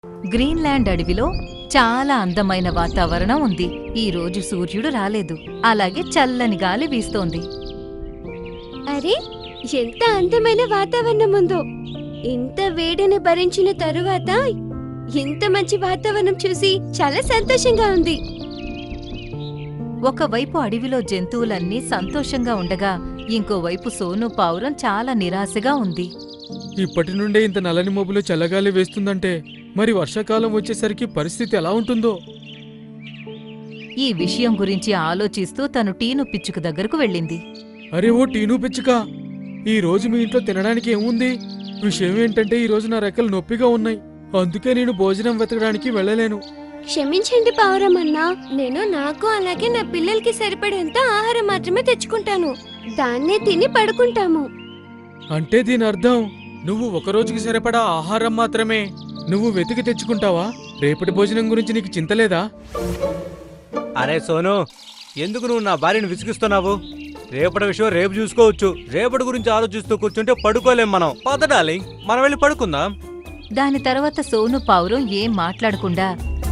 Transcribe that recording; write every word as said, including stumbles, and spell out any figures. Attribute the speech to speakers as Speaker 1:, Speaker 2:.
Speaker 1: Greenland అడవిలో చాలా అందమైన వాతావరణం ఉంది. ఈ రోజు సూర్యుడు రాలేదు, అలాగే చల్లని గాలి వీస్తోంది.
Speaker 2: అరే, ఎంత అందమైన వాతావరణం ఉందో! ఇంత వేడిని భరించిన తరువాత ఇంత మంచి వాతావరణం చూసి చాలా సంతోషంగా ఉంది.
Speaker 1: ఒకవైపు అడవిలో జంతువులన్నీ సంతోషంగా ఉండగా, ఇంకోవైపు సోను పావురం చాలా నిరాశగా ఉంది.
Speaker 3: ఇప్పటి నుండే ఇంత నల్లని మబ్బులో చల్లగాలి వేస్తుందంటే మరి వర్షాకాలం వచ్చేసరికి పరిస్థితి ఎలా ఉంటుందో?
Speaker 1: ఈ విషయం గురించి ఆలోచిస్తూ తను టీను పిచ్చుక దగ్గరకు వెళ్ళింది.
Speaker 3: అరే ఓ టీను పిచ్చుక, ఈ రోజు మీ ఇంట్లో తినడానికి ఏముంది? విషయం ఏంటంటే ఈ రోజు నా రెక్కలు నొప్పిగా ఉన్నాయి, అందుకే నేను భోజనం వెతకడానికి వెళ్ళలేను.
Speaker 2: క్షమించండి పావురమన్నా, నేను నాకు అలాగే నా పిల్లలకి సరిపడేంత ఆహారం మాత్రమే తెచ్చుకుంటాను. దాన్నే తిని పడుకుంటాము.
Speaker 3: అంటే దీని అర్థం నువ్వు ఒక రోజుకి సరిపడా ఆహారం మాత్రమే నువ్వు వెతికి తెచ్చుకుంటావా? రేపటి భోజనం గురించి నీకు చింతలేదా?
Speaker 4: అరే సోను, ఎందుకు నువ్వు నా భార్యను విసిగిస్తున్నావు? రేపటి విషయం రేపు చూసుకోవచ్చు. రేపటి గురించి ఆలోచిస్తూ కూర్చుంటే పడుకోలేం మనం. పద డార్లింగ్, మనం వెళ్ళి పడుకుందాం.
Speaker 1: దాని తర్వాత సోను పావురం ఏం మాట్లాడకుండా